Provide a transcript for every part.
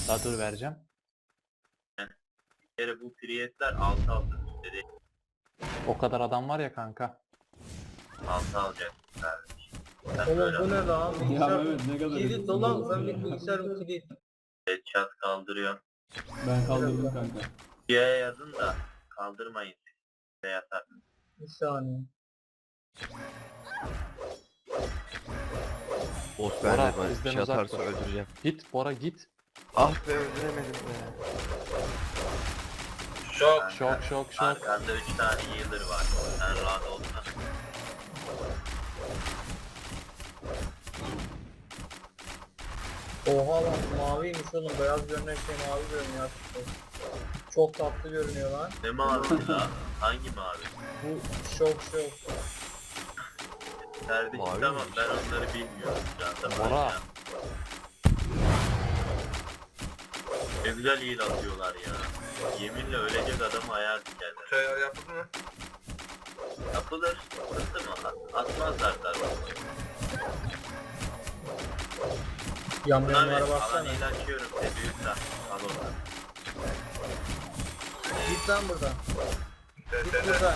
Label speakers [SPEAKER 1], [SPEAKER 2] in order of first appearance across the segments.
[SPEAKER 1] Daha dur vereceğim.
[SPEAKER 2] Bir kere bu priyetler 6 üstleri
[SPEAKER 1] O kadar adam var ya kanka.
[SPEAKER 2] 6 alacak kardeş. Ben
[SPEAKER 3] Oğlum
[SPEAKER 2] böyle
[SPEAKER 3] bu ne lan?
[SPEAKER 4] Ya
[SPEAKER 3] Bilgisayar
[SPEAKER 4] Mehmet ne kadar
[SPEAKER 3] kilit dolan ben bir bilgisayarım kilit.
[SPEAKER 2] headshot kaldırıyorum.
[SPEAKER 4] Ben kaldırdım kanka.
[SPEAKER 2] Diye yazın da kaldırmayın. Size yatar.
[SPEAKER 3] Bir saniye.
[SPEAKER 5] Boss
[SPEAKER 1] Bora,
[SPEAKER 5] bende bana bir
[SPEAKER 1] bizden
[SPEAKER 5] şey
[SPEAKER 1] uzak
[SPEAKER 5] atarsa
[SPEAKER 1] dur.
[SPEAKER 5] öldüreceğim.
[SPEAKER 1] Git Bora git.
[SPEAKER 5] Ah be öldüremedim be.
[SPEAKER 2] Şok.
[SPEAKER 1] Şok.
[SPEAKER 2] Arkanda 3 tane healer var. Sen rahat olsan.
[SPEAKER 3] Oha lan maviymiş oğlum. Beyaz görünen şey mavi görünüyor. Çok tatlı görünüyor lan.
[SPEAKER 2] Ne mavi la? Hangi mavi?
[SPEAKER 3] Bu şok.
[SPEAKER 2] Kardeşim
[SPEAKER 5] Mavi
[SPEAKER 2] tamam
[SPEAKER 5] miymiş?
[SPEAKER 2] ben onları bilmiyorum. Ya,
[SPEAKER 1] Bora.
[SPEAKER 2] Ne güzel heal atıyorlar ya. Yeminle ölecek adamı hayal dikerler.
[SPEAKER 6] Şey yaptın mı?
[SPEAKER 2] Yapılır. Sıkıntı mı? Atmazlar tabii.
[SPEAKER 3] Yamyamlara
[SPEAKER 2] Alan
[SPEAKER 3] baksana.
[SPEAKER 2] heal açıyorum. Büyük al oradan.
[SPEAKER 3] Git lan buradan. Git
[SPEAKER 6] Sen
[SPEAKER 3] buradan.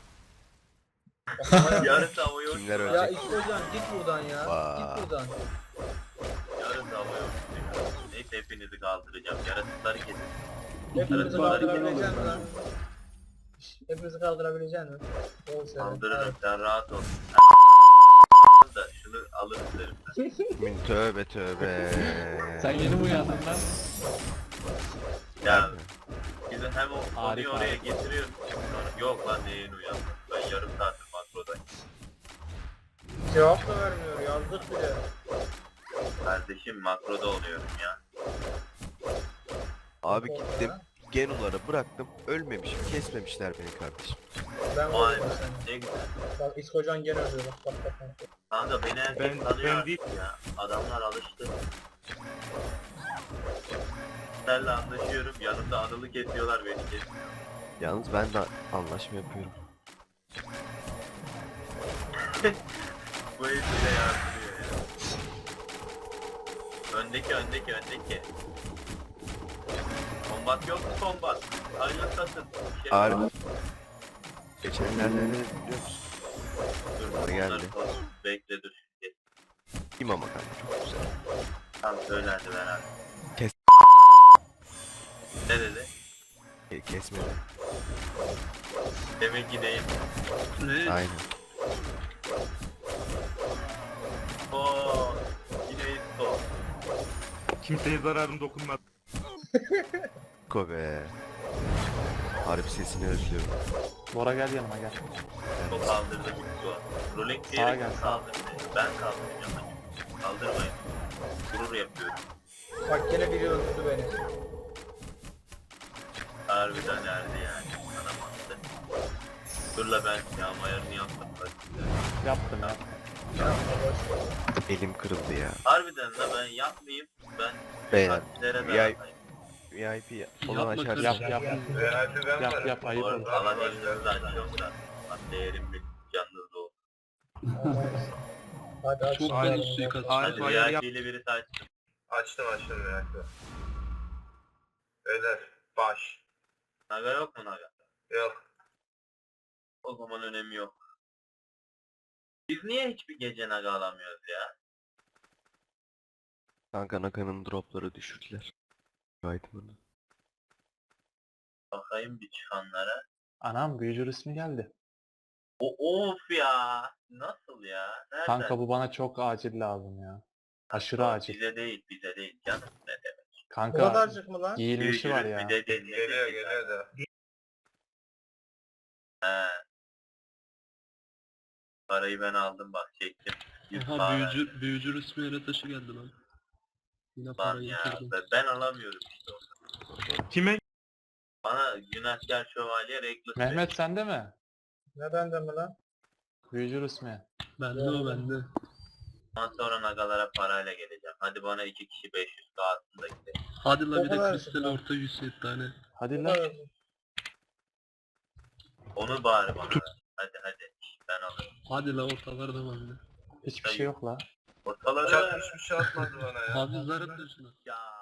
[SPEAKER 2] Yarısı hava yok.
[SPEAKER 5] Kimler
[SPEAKER 3] Ya
[SPEAKER 5] ölecek?
[SPEAKER 3] İşte hocam git buradan ya.
[SPEAKER 5] Vay.
[SPEAKER 3] Git buradan.
[SPEAKER 2] Yarısı hava yok. Neyse hepinizi kaldıracağım. Yaratıkları kesin.
[SPEAKER 3] Hepimizi
[SPEAKER 2] Bari
[SPEAKER 3] kaldırabilecek misin lan? Hepimizi kaldırabilecek misin? Doğru söyle.
[SPEAKER 2] Kaldırırım sen rahat ol. Da şunu alır isterim.
[SPEAKER 5] Min tövbe tövbe.
[SPEAKER 4] Sen yeni mi uyandın lan?
[SPEAKER 2] Ya bizi hem o konuyu
[SPEAKER 1] Harika.
[SPEAKER 2] oraya getiriyorum. Sonra, yok lan neyin uyandı. Ben yarım saattir makrodayım.
[SPEAKER 3] Cevap da vermiyor. Yazdık bile.
[SPEAKER 2] Kardeşim makroda oluyorum ya.
[SPEAKER 5] Abi gittim. Genuları bıraktım. Ölmemişim. Kesmemişler beni kardeşim.
[SPEAKER 3] Ben
[SPEAKER 2] Vay
[SPEAKER 3] vurdum
[SPEAKER 2] be
[SPEAKER 3] seni.
[SPEAKER 2] ne güzel.
[SPEAKER 3] Bak İskocan gene öldü bak.
[SPEAKER 2] Kanka beni herkes tanıyor artık ya. Adamlar alıştı. Senle anlaşıyorum. Yanımda Anıl'ı kesiyorlar beni kesiyor.
[SPEAKER 5] Yalnız ben de anlaşma yapıyorum.
[SPEAKER 2] Bu herif bile yardırıyor ya. Öndeki. Kombat yok mu kombat? Ayrılsasın.
[SPEAKER 5] Harbi. Geçenlerde ne dedi biliyor musun?
[SPEAKER 2] Dur
[SPEAKER 5] Bana geldi.
[SPEAKER 2] Bekle dur.
[SPEAKER 5] Kim ama kanka çok güzel.
[SPEAKER 2] Tam söylendi beraber.
[SPEAKER 5] Kes.
[SPEAKER 2] Ne dedi?
[SPEAKER 5] Kesmedi.
[SPEAKER 2] Demek ki değil.
[SPEAKER 5] Aynen.
[SPEAKER 2] Ooo. Yine isto.
[SPEAKER 6] Kimseye zararım dokunmaz.
[SPEAKER 5] Kobe. Harbi sesini özlüyorum.
[SPEAKER 1] Bora gel yanıma gel.
[SPEAKER 2] O kaldırdı isto. Rolling
[SPEAKER 1] Sağa
[SPEAKER 2] diyerek
[SPEAKER 1] gel, sağa.
[SPEAKER 2] kaldırdı. Ben kaldıracağım. Kaldırmayın. Gurur yapıyorum.
[SPEAKER 3] Bak gene biri öldürdü beni.
[SPEAKER 2] Harbiden erdi yani. Sana baktı. Dur la ben yağmayarını yaptım.
[SPEAKER 1] Yaptım ya.
[SPEAKER 5] Elim kırıldı ya.
[SPEAKER 2] Harbiden la ben yapmayayım. Ben
[SPEAKER 5] Beyler.
[SPEAKER 2] taktilere
[SPEAKER 5] Ya-
[SPEAKER 2] dağıtayım.
[SPEAKER 5] VIP olan
[SPEAKER 4] Yapma
[SPEAKER 5] açarsın.
[SPEAKER 1] Yap yap.
[SPEAKER 6] Realde ben varım.
[SPEAKER 1] Yap ayıp
[SPEAKER 2] Bu
[SPEAKER 1] olur.
[SPEAKER 2] arada alan elinizi açıyorum da. Değerim bir canınızda olsun.
[SPEAKER 3] Hadi aç.
[SPEAKER 4] Çok
[SPEAKER 3] Hadi.
[SPEAKER 4] fena suikast.
[SPEAKER 2] Hadi
[SPEAKER 6] ayar
[SPEAKER 2] VIP ile birisi açtım.
[SPEAKER 6] Açtım realde. Öler. Baş.
[SPEAKER 2] Naga yok mu Naga?
[SPEAKER 6] Yok.
[SPEAKER 2] O zaman önemi yok. Biz niye hiçbir gece Naga alamıyoruz ya?
[SPEAKER 5] Kanka Naka'nın dropları düşürdüler. Item'ını.
[SPEAKER 2] Bakayım bir çıkanlara.
[SPEAKER 1] Anam büyücü ismi geldi.
[SPEAKER 2] Of ya. Nasıl ya? Nereden?
[SPEAKER 1] Kanka bu bana çok acil lazım ya. Aşırı
[SPEAKER 2] Tamam,
[SPEAKER 1] acil.
[SPEAKER 2] bize değil canım ne demek.
[SPEAKER 3] Bu
[SPEAKER 1] Kanka
[SPEAKER 3] kadarcık mı lan?
[SPEAKER 1] giyilmişi var
[SPEAKER 2] Büyücülük
[SPEAKER 1] ya.
[SPEAKER 2] bir de değil.
[SPEAKER 6] Geliyor da.
[SPEAKER 2] He. Parayı ben aldım bak çektim.
[SPEAKER 4] Aha büyücü resmi yere taşı geldi lan. Yine
[SPEAKER 2] Lan
[SPEAKER 4] parayı
[SPEAKER 2] ya
[SPEAKER 4] yatırdım.
[SPEAKER 2] ben alamıyorum işte orada.
[SPEAKER 6] Kime?
[SPEAKER 2] Bana Günahkar Şövalye Reckless
[SPEAKER 1] Mehmet sende mi?
[SPEAKER 3] Ne bende mi lan?
[SPEAKER 1] Büyücü ismi.
[SPEAKER 4] Bende o bende.
[SPEAKER 2] Ondan sonra Nagalara parayla geleceğim. Hadi bana 2 kişi 500 kağıtsın da gidelim.
[SPEAKER 4] Hadi la
[SPEAKER 3] O
[SPEAKER 4] bir de
[SPEAKER 3] kadar
[SPEAKER 4] kristal
[SPEAKER 3] sıkı.
[SPEAKER 4] orta 107 tane.
[SPEAKER 1] Hadi
[SPEAKER 3] Bu
[SPEAKER 1] lan.
[SPEAKER 3] kadar.
[SPEAKER 2] Onu bari bana ver. Hadi. Ben alırım.
[SPEAKER 4] Hadi la ortalar da bende.
[SPEAKER 1] Hiçbir şey yok la.
[SPEAKER 2] Ortaları
[SPEAKER 6] Çarpmış bir şey atmadı bana ya.
[SPEAKER 4] Hafızlar atın şunu.
[SPEAKER 2] ya